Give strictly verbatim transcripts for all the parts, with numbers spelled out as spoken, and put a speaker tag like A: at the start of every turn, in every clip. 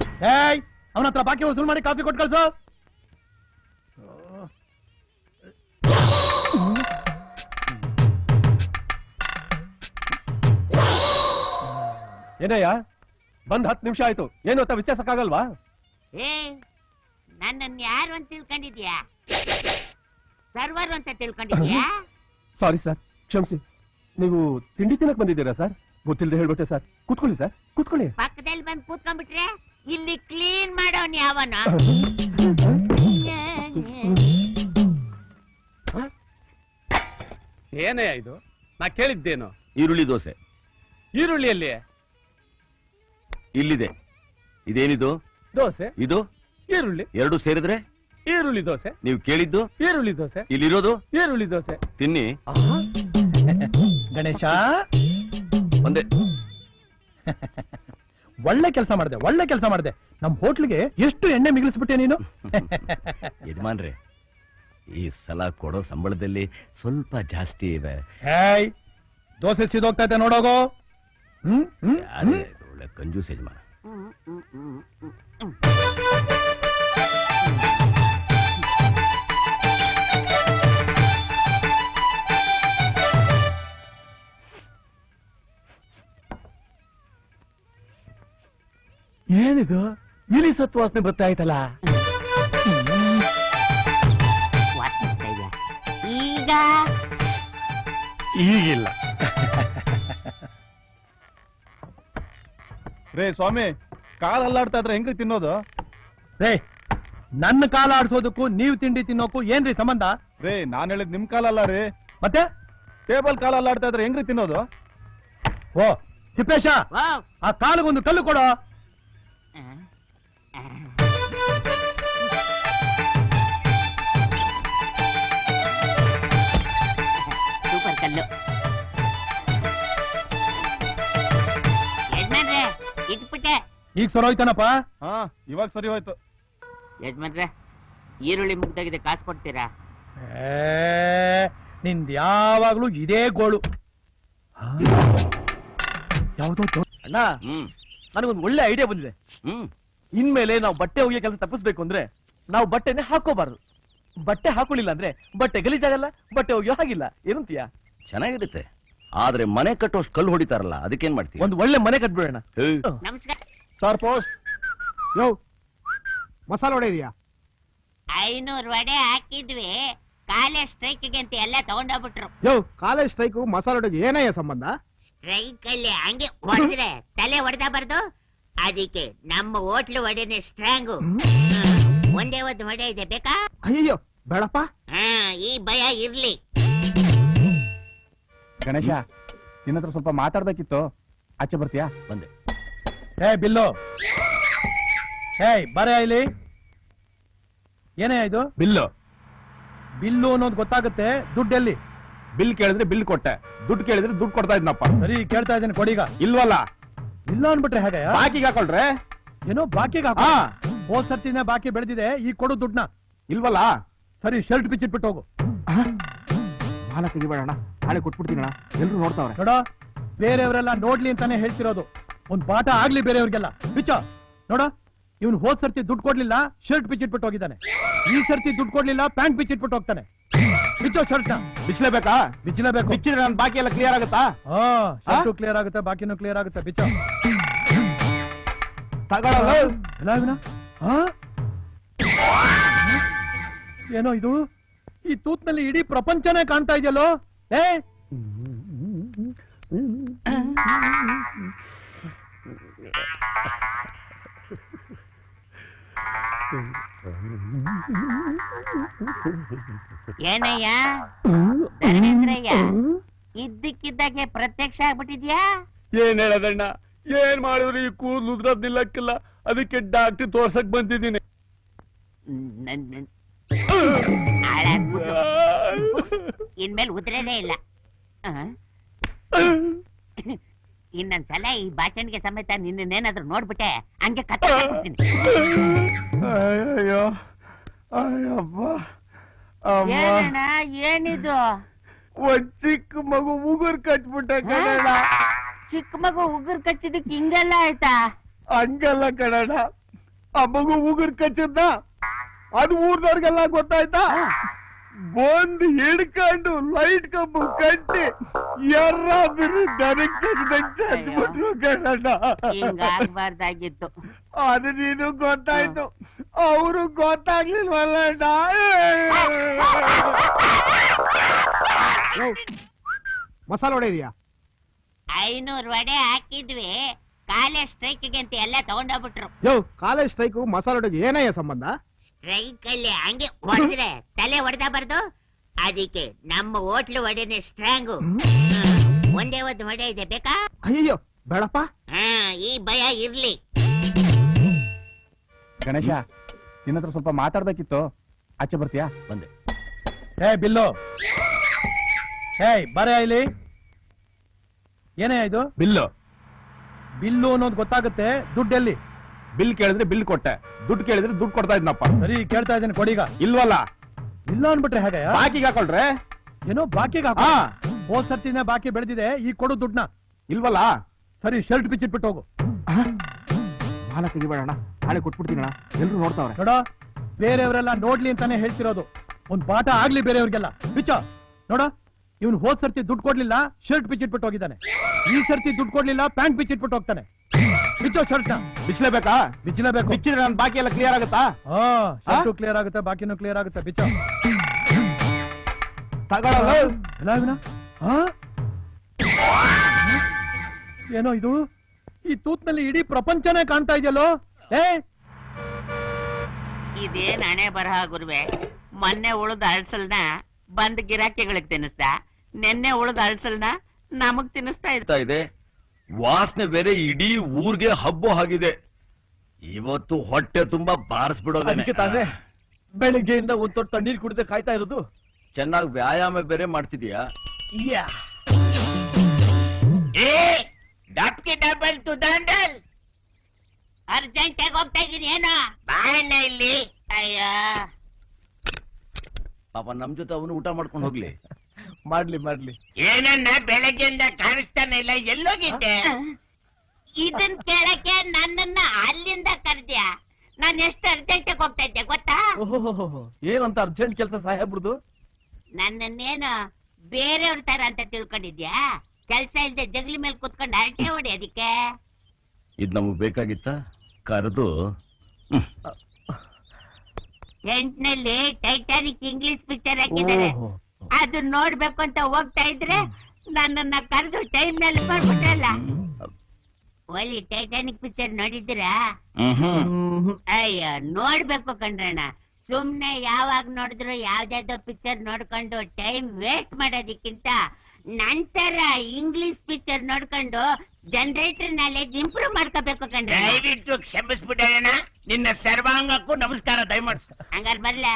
A: ಏಯ್ ಅವನ ಹತ್ರ ಬಾಕಿ ವಸೂಲ್ ಮಾಡಿ ಕಾಫಿ ಕೊಟ್ಟು ಕಳ್ಸು.
B: ಏನಯ್ಯ ಬಂದ್ ಹತ್ತು ನಿಮಿಷ ಆಯ್ತು, ಏನು ಅಂತ ವಿಚಾರಿಸಕ್ಕಾಗಲ್ವಾ?
C: ಏ ನನ್ನನ್ನು ಯಾರು ಅಂತ ತಿಳ್ಕೊಂಡಿದ್ಯಾ? ಸರ್ವರ್ ಅಂತ ತಿಳ್ಕೊಂಡಿದ್ಯಾ?
B: ಸಾರಿ ಸರ್, ಕ್ಷಮಿಸಿ. ನೀವು ತಿಂಡಿ ತಿನ್ನಕ್ ಬಂದಿದ್ದೀರಾ ಸರ್? ಗೊತ್ತಿಲ್ಲದೆ ಹೇಳ್ಬಿಟ್ಟೆ ಸರ್. ಕೂತ್ಕೊಳ್ಳಿ ಸರ್, ಕೂತ್ಕೊಳ್ಳಿ.
C: ಪಕ್ಕದಲ್ಲಿ ಬಂದು ಕೂತ್ಕೊಂಡ್ಬಿಟ್ರೆ ಇಲ್ಲಿ ಕ್ಲೀನ್ ಮಾಡೋನ್ ಯಾವನ?
D: ಏನೇ ಇದು? ನಾ ಕೇಳಿದ್ದೇನು?
E: ಈರುಳ್ಳಿ ದೋಸೆ.
D: ಈರುಳ್ಳಿಯಲ್ಲಿ
E: ಇಲ್ಲಿದೆ. ಇದೇನಿದು?
D: ದೋಸೆ.
E: ಇದು
D: ಈರುಳ್ಳಿ.
E: ಎರಡು ಸೇರಿದ್ರೆ
D: ಈರುಳ್ಳಿ ದೋಸೆ.
E: ನೀವು ಕೇಳಿದ್ದು
D: ಈರುಳ್ಳಿ ದೋಸೆ.
E: ಇಲ್ಲಿರೋದು
D: ಈರುಳ್ಳಿ ದೋಸೆ.
E: ತಿನ್ನಿ.
A: ಗಣೇಶ
E: ಒಂದೇ.
A: ಒಳ್ಳೆ ಕೆಲಸ ಮಾಡಿದೆ, ಒಳ್ಳೆ ಕೆಲಸ ಮಾಡಿದೆ. ನಮ್ ಹೋಟ್ಲಿಗೆ ಎಷ್ಟು ಎಣ್ಣೆ ಮಿಗಿಲಿಸ್ಬಿಟ್ಟೆ ನೀನು.
E: ಯಜಮಾನ್ರೆ, ಈ ಸಲ ಕೊಡೋ ಸಂಬಳದಲ್ಲಿ ಸ್ವಲ್ಪ ಜಾಸ್ತಿ ಇವೆ.
A: ಹೇಯ್, ದೋಸೆ ಸಿದೋಗ್ತಾ ಇದೆ ನೋಡೋಗೋ. ಹ್ಮ್ ಹ್ಮ್
E: ಒಳ್ಳೆ ಕಂಜೂಸ್ ಯಜಮಾನ.
B: ಏನಿದು? ಇಲಿ ಸತ್ತು ವಾಸನೆ ಬರ್ತಾ ಆಯ್ತಲ್ಲ.
C: ಈಗ
B: ಈಗಿಲ್ಲ.
F: ರೇ ಸ್ವಾಮಿ, ಕಾಲ್ ಅಲ್ಲಾಡ್ತಾ ಇದ್ರೆ ಹೆಂಗ್ ತಿನ್ನೋದು?
A: ರೇ, ನನ್ನ ಕಾಲ ಆಡ್ಸೋದಕ್ಕೂ ನೀವು ತಿಂಡಿ ತಿನ್ನೋಕು ಏನ್ರಿ ಸಂಬಂಧ?
F: ರೇ, ನಾನ್ ಹೇಳಿದ್ ನಿಮ್ ಕಾಲಲ್ಲ ರೀ,
A: ಮತ್ತೆ
F: ಟೇಬಲ್ ಕಾಲ್ ಅಲ್ಲಾಡ್ತಾ ಇದ್ರೆ ಹೆಂಗ್ರಿ ತಿನ್ನೋದು?
A: ಓ ತಿಪ್ಪೇಶ, ಆ ಕಾಲಿಗೊಂದು ಕಲ್ಲು ಕೊಡೋ.
C: ಸೂಪರ್ ಕಲ್ಲು. ಯಜಮಾನ್ರೆ ಇಟ್ಬಿಟ್ಟೆ.
A: ಈಗ ಸರೋಯ್ತಾನಪ್ಪ?
F: ಹಾ, ಇವಾಗ ಸರಿ ಹೋಯ್ತು.
C: ಯಜಮಾನ್ರೆ, ಈರುಳ್ಳಿ ಮುಗ್ದಾಗಿದೆ, ಕಾಸು ಕೊಡ್ತೀರಾ?
A: ನಿಂದ ಯಾವಾಗ್ಲೂ ಇದೇ ಗೋಳು. ಯಾವ್ದೋ
B: ಅಣ್ಣ,
E: ಹ್ಮ್
B: ನನಗೊಂದು ಒಳ್ಳೆ ಐಡಿಯಾ ಬಂದಿದೆ.
E: ಹ್ಮ್
B: ಇನ್ಮೇಲೆ ನಾವು ಬಟ್ಟೆ ಒಗೆಯೋ ಕೆಲಸ ತಪ್ಪಿಸ್ಬೇಕು ಅಂದ್ರೆ ನಾವು ಬಟ್ಟೆನೆ ಹಾಕೋಬಾರ್ದು. ಬಟ್ಟೆ ಹಾಕೊಳ್ಳಿಲ್ಲ ಅಂದ್ರೆ ಬಟ್ಟೆ ಗಲೀಜಾಗಲ್ಲ, ಬಟ್ಟೆ ಒಗೆಯೋ ಹಾಗಿಲ್ಲ. ಏನಂತೀಯ?
E: ಚೆನ್ನಾಗಿರುತ್ತೆ. ಆದ್ರೆ ಮನೆ ಕಟ್ಟೋಷ್ಟು ಕಲ್ಲು ಹೊಡಿತಾರಲ್ಲ, ಅದಕ್ಕೇನ್ ಮಾಡ್ತೀವಿ?
B: ಒಂದು ಒಳ್ಳೆ ಮನೆ ಕಟ್ಬಿಡೋಣ.
C: ನಮಸ್ಕಾರ
F: ಸರ್, ಪೋಸ್ಟ್. ಯೋ, ಮಸಾಲೆ ವಡೆ ಇದೆಯಾ?
C: ಐನೂರು ವಡೆ ಹಾಕಿದ್ವಿ, ಕಾಲೇಜ್ ಸ್ಟ್ರೈಕ್ಗೆ ಅಂತ ಎಲ್ಲ ತಗೊಂಡೋಗ್ಬಿಟ್ರು.
F: ಯೋ, ಕಾಲೇಜ್ ಸ್ಟ್ರೈಕ್ ಮಸಾಲೆ ವಡೆಗೆ ಏನಯ್ಯ ಸಂಬಂಧ?
C: ಸ್ಟ್ರೈಕ್ ಅಲ್ಲಿ ಹಂಗೆ ಹೊಡೆದ್ರೆ ತಲೆ ಹೊಡೆದ ಬರ್ದು, ಅದಕ್ಕೆ ನಮ್ಮ ಹೋಟ್ಲು ವಡೆನೆ ಸ್ಟ್ರಾಂಗು. ಒಂದೇ ಒಂದು ವಡೆ ಇದೆ, ಬೇಕಾ?
F: ಅಯ್ಯೋ ಬೇಡಪ್ಪ.
C: ಹಾ, ಈ ಭಯ ಇರ್ಲಿ.
F: ಗಣೇಶ, ನಿನ್ನ ಹತ್ರ ಸ್ವಲ್ಪ ಮಾತಾಡ್ಬೇಕಿತ್ತು, ಆಚೆ ಬರ್ತೀಯಾ?
E: ಬಂದೆ.
A: ಹೇ ಬಿಲ್ಲು, ಹೇಯ್ ಬರೇ ಇಲ್ಲಿ. ಏನೇ ಇದು?
F: ಬಿಲ್ಲು.
A: ಬಿಲ್ಲು ಅನ್ನೋದು ಗೊತ್ತಾಗುತ್ತೆ, ದುಡ್ಡೆಲ್ಲಿ?
F: ಬಿಲ್ ಕೇಳಿದ್ರೆ ಬಿಲ್ ಕೊಟ್ಟೆ, ದುಡ್ಡು ಕೇಳಿದ್ರೆ ದುಡ್ಡು ಕೊಡ್ತಾ ಇದ್ನಪ್ಪ.
A: ಸರಿ, ಕೇಳ್ತಾ ಇದ್ದೀನಿ, ಕೊಡೀಗ.
F: ಇಲ್ವಲ್ಲ?
A: ಇಲ್ಲ ಅನ್ಬಿಟ್ರೆ ಹೇಗೆ?
F: ಬಾಕಿಗೆ ಹಾಕೊಳ್ರೆ.
A: ಏನೋ ಬಾಕಿಗೆ ಹಾಕೋ. ಹೋದ್ ಸರ್ತಿನೇ ಬಾಕಿ ಬೆಳೆದಿದೆ, ಈಗ ಕೊಡು ದುಡ್ಡನ್ನ.
F: ಇಲ್ವಲ್ಲ?
A: ಸರಿ, ಶರ್ಟ್ ಬಿಚ್ಚಿಟ್ಬಿಟ್ಟು ಹೋಗು.
F: ಮಾಲ ತೆಗಿಬೇಡಣ, ನಾಳೆ ಕೊಟ್ಬಿಡ್ತೀನಣ್ಣ, ಎಲ್ರು ನೋಡ್ತಾವ್ರೆ.
A: ನೋಡ, ಬೇರೆಯವರೆಲ್ಲ ನೋಡ್ಲಿ ಅಂತಾನೆ ಹೇಳ್ತಿರೋದು. ಒಂದ್ ಪಾಠ ಆಗ್ಲಿ ಬೇರೆಯವ್ರಿಗೆಲ್ಲ. ಬಿಚ್ಚ ನೋಡ, ಇವನು ಹೋದ್ ಸರ್ತಿ ದುಡ್ಡು ಕೊಡ್ಲಿಲ್ಲ, ಶರ್ಟ್ ಬಿಚ್ಚಿಟ್ಬಿಟ್ಟು ಹೋಗಿದ್ದಾನೆ. ಈ ಸರ್ತಿ ದುಡ್ಡು ಕೊಡ್ಲಿಲ್ಲ, ಪ್ಯಾಂಟ್ ಬಿಚ್ಚಿಟ್ಬಿಟ್ಟು ಹೋಗ್ತಾನೆ. ಬಿಚ್ಚೋ ಶರ್ಟ್ ನ.
F: ಬಿಚ್ಚಲೇಬೇಕಾ?
A: ಬಿಚ್ಚಲೇಬೇಕು.
F: ಬಿಚ್ಚಿದ್ರೆ ನನ್ನ ಬಾಕಿ ಎಲ್ಲ ಕ್ಲಿಯರ್ ಆಗುತ್ತಾ?
A: ಹಾ, ಶರ್ಟು ಕ್ಲಿಯರ್ ಆಗುತ್ತೆ, ಬಾಕಿನೂ ಕ್ಲಿಯರ್ ಆಗುತ್ತೆ. ಬಿಚ್ಚೋ.
F: ತಗೊಳ್ಳಲ್ಲ.
A: ಎಲ್ಲ ಇವನ? ಹಾ, ಏನೋ ಇದು? ಈ ತೂತ್ನಲ್ಲಿ ಇಡೀ ಪ್ರಪಂಚನೇ ಕಾಣ್ತಾ ಇದೆಯಲ್ಲೋ. ಏ
C: ಏನಯ್ಯ ಧರ್ಮೇಂದ್ರಯ್ಯ, ಇದ್ದಕ್ಕಿದ್ದಾಗೆ ಪ್ರತ್ಯಕ್ಷ ಆಗ್ಬಿಟ್ಟಿದ್ಯಾ?
D: ಏನ್ ಹೇಳದಣ್ಣ, ಏನ್ ಮಾಡಿದ್ರು ಈ ಕೂದಲು ಉದ್ರದ್ ನಿಲ್ಲಕ್ಕಿಲ್ಲ, ಅದಕ್ಕೆ ಡಾಕ್ಟರ್ ತೋರ್ಸಕ್ ಬಂದಿದ್ದೀನಿ.
C: ಇನ್ಮೇಲೆ ಉದ್ರೇದೇ ಇಲ್ಲ. ಇನ್ನೊಂದ್ಸಲ ಈ ಬಾಚಣಿಗೆ ಸಮೇತ ನಿನ್ನೇನಾದ್ರೂ ನೋಡ್ಬಿಟ್ಟೆ ಹಂಗೆ ಕತ್ತ.
F: ಅಯ್ಯೋ ಅಯ್ಯಪ್ಪ.
C: ಏನಣ್ಣ ಏನಿದು?
F: ಒಂದ್ ಚಿಕ್ಕ ಮಗು ಉಗುರ್ ಕಚ್ಬಿಟ್ಟೆ ಕಣಣ್ಣ.
C: ಚಿಕ್ಕ ಮಗು ಉಗುರ್ ಕಚ್ಚಿದಕ್ಕೆ ಹಿಂಗೆಲ್ಲ ಆಯ್ತಾ?
F: ಹಂಗಲ್ಲ ಕಣಣ್ಣ,
D: ಆ ಮಗು ಉಗುರ್ ಕಚ್ಚಿದ್ದ ಅದು ಊರ್ದವ್ರಿಗೆಲ್ಲ ಗೊತ್ತಾಯ್ತಾ ಬಂದು ಹಿಡ್ಕೊಂಡು ಲೈಟ್ ಕಂಬ ಕಟ್ಟಿ ಯಾರಾದ್ರೂ ದನಕ್ ಚಚ್ಬಿಟ್ರು ಕಣ
C: ಹಿಂಗಾಗ್ಬಾರ್ದಾಗಿತ್ತು.
D: ಅದು ನೀನು ಗೊತ್ತಾಯ್ತು, ಅವರು ಗೊತ್ತಾಗ್ಲಿಲ್ವಲ್ಲ.
F: ಮಸಾಲ ವಡೆ ಇದೆಯಾ?
C: ಐನೂರು ವಡೆ ಹಾಕಿದ್ವಿ, ಕಾಲೇಜ್ ಸ್ಟ್ರೈಕ್ಗೆ ಅಂತ ಎಲ್ಲ ತಗೊಂಡೋಗ್ಬಿಟ್ರು.
F: ಯೋ, ಕಾಲೇಜ್ ಸ್ಟ್ರೈಕು ಮಸಾಲ ವಡೆಗೆ ಏನಯ್ಯ ಸಂಬಂಧ?
C: ಸ್ಟ್ರೈಕ್ ಅಲ್ಲಿ ಹಂಗೆ ಹೊಡೆದ್ರೆ ತಲೆ ಹೊಡೆದ ಬರ್ದು, ಅದಕ್ಕೆ ನಮ್ಮ ಹೋಟ್ಲು ವಡೆನೆ ಸ್ಟ್ರಾಂಗು. ಒಂದೇ ಒಂದು ವಡೆ ಇದೆ, ಬೇಕಾ?
F: ಅಯ್ಯೋ ಬೇಡಪ್ಪ.
C: ಹಾ, ಈ ಭಯ ಇರ್ಲಿ.
F: ಗಣೇಶ, ನಿನ್ನ ಹತ್ರ ಸ್ವಲ್ಪ ಮಾತಾಡ್ಬೇಕಿತ್ತು, ಆಚೆ ಬರ್ತೀಯಾ?
E: ಬಂದೆ.
A: ಏ ಬಿಲ್ಲು, ಏಯ್ ಬರೇ ಇಲ್ಲಿ. ಏನೇ ಇದು?
F: ಬಿಲ್ಲು
A: ಬಿಲ್ಲು ಅನ್ನೋದು ಗೊತ್ತಾಗುತ್ತೆ, ದುಡ್ಡೆಲ್ಲಿ?
F: ಬಿಲ್ ಕೇಳಿದ್ರೆ ಬಿಲ್ ಕೊಟ್ಟೆ, ದುಡ್ಡು ಕೇಳಿದ್ರೆ ದುಡ್ಡು ಕೊಡ್ತಾ ಇದ್ನಪ್ಪ.
A: ಸರಿ ಕೇಳ್ತಾ ಇದ್ದೀನಿ, ಕೊಡೀಗ.
F: ಇಲ್ವಲ್ಲ?
A: ಇಲ್ಲ ಅನ್ಬಿಟ್ರೆ ಹೇಗೆ?
F: ಬಾಕಿಗೆ ಹಾಕೊಳ್ರೆ.
A: ಏನೋ ಬಾಕಿಗೆ ಹಾಕೋ. ಹೋದ್ ಸರ್ತಿನೇ ಬಾಕಿ ಬೆಳೆದಿದೆ, ಈಗ ಕೊಡು ದುಡ್ಡನ್ನ.
F: ಇಲ್ವಲ್ಲ?
A: ಸರಿ ಶರ್ಟ್ ಬಿಚ್ಚಿಟ್ಬಿಟ್ಟು ಹೋಗು.
F: ಮಾಲ ತೆಗಿಬೇಡಣ, ನಾಳೆ ಕೊಟ್ಬಿಡ್ತೀನಣ್ಣ, ಎಲ್ರು ನೋಡ್ತಾವ್ರೆ.
A: ನೋಡ, ಬೇರೆಯವರೆಲ್ಲ ನೋಡ್ಲಿ ಅಂತಾನೆ ಹೇಳ್ತಿರೋದು, ಒಂದ್ ಪಾಠ ಆಗ್ಲಿ ಬೇರೆಯವ್ರಿಗೆಲ್ಲ. ಬಿಚ್ಚ ನೋಡ, ಇವನು ಹೋದ್ ಸರ್ತಿ ದುಡ್ಡು ಕೊಡ್ಲಿಲ್ಲ, ಶರ್ಟ್ ಬಿಚ್ಚಿಟ್ಬಿಟ್ಟು ಹೋಗಿದ್ದಾನೆ. ಈ ಸರ್ತಿ ದುಡ್ಡು ಕೊಡ್ಲಿಲ್ಲ, ಪ್ಯಾಂಟ್ ಬಿಚ್ಚಿಟ್ಬಿಟ್ಟು ಹೋಗ್ತಾನೆ. ಬಿಚ್ಚೋ ಶರ್ಟ್ ನ.
F: ಬಿಚ್ಚಲೇಬೇಕಾ?
A: ಬಿಚ್ಚಲೇಬೇಕು.
F: ಬಿಚ್ಚಿದ್ರೆ ನನ್ ಬಾಕಿ ಎಲ್ಲ ಕ್ಲಿಯರ್ ಆಗುತ್ತಾ?
A: ಹಾ, ಶರ್ಟು ಕ್ಲಿಯರ್ ಆಗುತ್ತೆ, ಬಾಕಿನೂ ಕ್ಲಿಯರ್ ಆಗುತ್ತೆ. ಬಿಚ್ಚೋ.
F: ತಗೊಳ್ಳಲ್ಲ.
A: ಎಲ್ಲ ಇವನ? ಹಾ? ಏನೋ ಇದು, ಈ ತೂತ್ನಲ್ಲಿ ಇಡೀ ಪ್ರಪಂಚನೇ ಕಾಣ್ತಾ ಇದೆಯಲ್ಲೋ. ಏ,
C: ಇದೇನ್ ಹಣೆ ಬರಹ ಗುರುವೆ. ಮೊನ್ನೆ ಉಳಿದ ಅಳ್ಸಲ್ನ ಬಂದ್ ಗಿರಾಕಿಗಳಿಗೆ ತಿನ್ನಿಸ್ದ, ನೆನ್ನೆ ಉಳಿದ ಅಳ್ಸಲ್ನ ನಮಗ್ ತಿನ್ನಿಸ್ತಾ ಇದ್ದ.
E: ಇದೆ ವಾಸನೆ ಬೇರೆ ಇಡೀ ಊರ್ಗೆ ಹಬ್ಬ ಆಗಿದೆ. ಇವತ್ತು ಹೊಟ್ಟೆ ತುಂಬಾ ಬಾರಿಸ್ಬಿಡೋದಕ್ಕೆ
B: ಅದಕ್ಕೆ ತಾನೇ ಬೆಳಿಗ್ಗೆಯಿಂದ ಒಂದ್ ತೊಟ್ಟು ತಣ್ಣೀರ್ ಕುಡಿದೆ ಕಾಯ್ತಾ ಇರೋದು.
E: ಚೆನ್ನಾಗಿ ವ್ಯಾಯಾಮ ಬೇರೆ ಮಾಡ್ತಿದ್ಯಾ?
C: ಡಬಲ್ ಟು ದಂಡಲ್ ಅರ್ಜೆಂಟ್ ಆಗಿ ಹೋಗ್ತಾ ಇದೀನಿ. ಏನೋ ಬಾಣ ಇಲ್ಲಿ. ಅಯ್ಯ,
E: ಪಾಪ ನಮ್ ಜೊತೆ ಅವನು ಊಟ ಮಾಡ್ಕೊಂಡು ಹೋಗ್ಲಿ.
B: ಮಾಡ್ಲಿ ಮಾಡ್ಲಿ.
C: ಏನನ್ನ ಬೆಳಗ್ಗೆಯಿಂದ ಕಾಣಿಸ್ತಾನೆ ಇಲ್ಲ, ಎಲ್ಲೋಗಿದ್ದೆ? ಇದನ್ ಕೇಳಕ್ಕೆ ನನ್ನನ್ನ ಅಲ್ಲಿಂದ ಕರ್ದ್ಯಾ? ನಾನ್ ಎಷ್ಟು ಅರ್ಜೆಂಟ್ ಆಗಿ ಹೋಗ್ತಾ ಇದ್ದೆ ಗೊತ್ತಾ?
B: ಓಹೋ, ಏನಂತ ಅರ್ಜೆಂಟ್ ಕೆಲಸ ಸಾಹೇಬ್ರದು?
C: ನನ್ನನ್ನೇನು ಬೇರೆಯವ್ರ ತರ ಅಂತ ತಿಳ್ಕೊಂಡಿದ್ಯಾ? ಕೆಲ್ಸ ಇಲ್ದೆ ಜಗಲಿ ಮೇಲೆ ಕುತ್ಕೊಂಡು ಹರಟೆ ಹೊಡಿ. ಅದಕ್ಕೆ
E: ಇದ್ ನಮಗ್ ಬೇಕಾಗಿತ್ತ? ಕರೆದು
C: ಟೆಂಟ್ನಲ್ಲಿ ಟೈಟಾನಿಕ್ ಇಂಗ್ಲಿಷ್ ಪಿಕ್ಚರ್ ಹಾಕಿದ್ದಾರೆ, ಅದು ನೋಡ್ಬೇಕು ಅಂತ ಹೋಗ್ತಾ ಇದ್ರೆ ನನ್ನನ್ನ ಕರೆದು ಟೈಮ್ ನಲ್ಲಿ ಮಾಡ್ಬಿಟ್ರಲ್ಲ. ಒಳ್ಳೆ ಟೈಟಾನಿಕ್ ಪಿಕ್ಚರ್ ನೋಡಿದ್ದೀರಾ? ಅಯ್ಯ, ನೋಡ್ಬೇಕು ಕಣ್ರಣ್ಣ. ಸುಮ್ನೆ ಯಾವಾಗ ನೋಡಿದ್ರು ಯಾವ್ದಾವ್ದೋ ಪಿಕ್ಚರ್ ನೋಡ್ಕೊಂಡು ಟೈಮ್ ವೇಸ್ಟ್ ಮಾಡೋದಕ್ಕಿಂತ ನಂತರ ಇಂಗ್ಲಿಷ್ ಪಿಕ್ಚರ್ ನೋಡ್ಕೊಂಡು ಜನರೇಟರ್ ನಾಲೆಜ್ ಇಂಪ್ರೂವ್ ಮಾಡ್ಕೋಬೇಕು ಕಣ್ರ.
G: ದಯವಿಟ್ಟು ಕ್ಷಮಿಸ್ಬಿಡೋಣ, ನಿನ್ನ ಸರ್ವಾಂಗಕ್ಕೂ ನಮಸ್ಕಾರ ದಯಮಾಡ್ಸ.
C: ಹಂಗಾರ ಬರ್ಲ?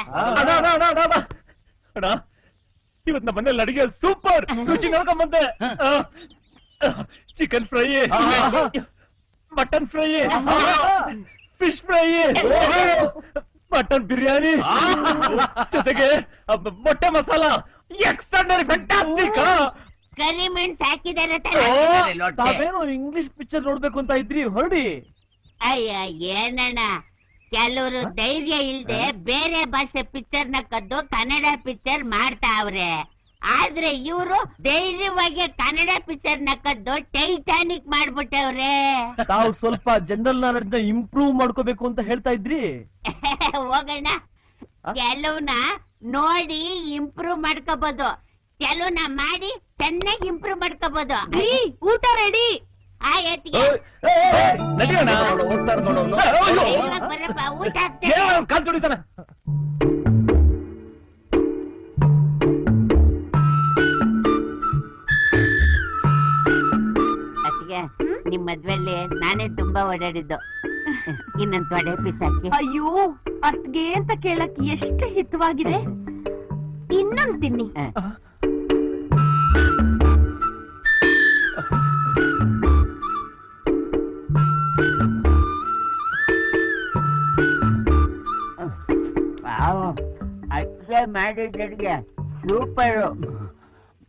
B: ಇವತ್ ನಮ್ಮ ಮನೇಲಿ ಅಡಿಗೆ ಸೂಪರ್ ರುಚಿ ನೋಡ್ಕೊಂಡ್ ಬಂದೆ. Chicken fry, mutton fry, fish fry, mutton biryani, ಜೊತೆಗೆ ಮೊಟ್ಟೆ ಮಸಾಲ. Extraordinary, fantastic.
C: ಕರಿ ಮೆಣಸು ಹಾಕಿದಾರೆ.
B: ತಾವೇನೋ ಇಂಗ್ಲಿಷ್ ಪಿಕ್ಚರ್ ನೋಡ್ಬೇಕು ಅಂತ ಇದ್ರಿ, ಹೊರಡಿ.
C: ಅಯ್ಯ ಏನಣ್ಣ, ಕೆಲವರು ಧೈರ್ಯ ಇಲ್ದೆ ಬೇರೆ ಭಾಷೆ ಪಿಕ್ಚರ್ ನ ಕದ್ದು ಕನ್ನಡ ಪಿಕ್ಚರ್ ಮಾಡ್ತಾವ್ರೆ. ಆದ್ರೆ ಇವರು ಧೈರ್ಯವಾಗಿ ಕನ್ನಡ ಪಿಕ್ಚರ್ ನ ಕದ್ದು ಟೈಟಾನಿಕ್ ಮಾಡ್ಬಿಟ್ಟವ್ರೆ.
B: ತಾವು ಸ್ವಲ್ಪ ಜನರಲ್ ನಾಲೆಡ್ಜ್ ನ ಇಂಪ್ರೂವ್ ಮಾಡ್ಕೋಬೇಕು ಅಂತ ಹೇಳ್ತಾ ಇದ್ರಿ.
C: ಹೋಗೋಣ. ಕೆಲವ್ನ ನೋಡಿ ಇಂಪ್ರೂವ್ ಮಾಡ್ಕೋಬಹುದು, ಕೆಲವ್ನ ಮಾಡಿ ಚೆನ್ನಾಗಿ ಇಂಪ್ರೂವ್ ಮಾಡ್ಕೋಬಹುದು. ಊಟ ರೆಡಿ ಆಯ್ತಿಗೆ
B: ಹೋಗ್ತಾರ ನೋಡೋನು.
C: ಬರಪ್ಪ, ಊಟ ಆಗ್ತದೆ.
B: ಕಾಲ್ ತೊಳಿತಾನೆ.
C: ಅತ್ತಿಗೆ, ನಿಮ್ ಮದ್ವೆಲ್ಲಿ ನಾನೇ ತುಂಬಾ ಓಡಾಡಿದ್ದು. ಇನ್ನೊಂದು ತೊಡೆ ಪೀಸ್ ಹಾಕಿ.
H: ಅಯ್ಯೋ, ಅತ್ಗೆ ಅಂತ ಕೇಳಕ್ ಎಷ್ಟು ಹಿತವಾಗಿದೆ. ಇನ್ನೊಂದು ತಿನ್ನಿ.
C: ಅತ್ತೆ ಮಾಡಿದ್ದರಿಗೆ ಸೂಪರು.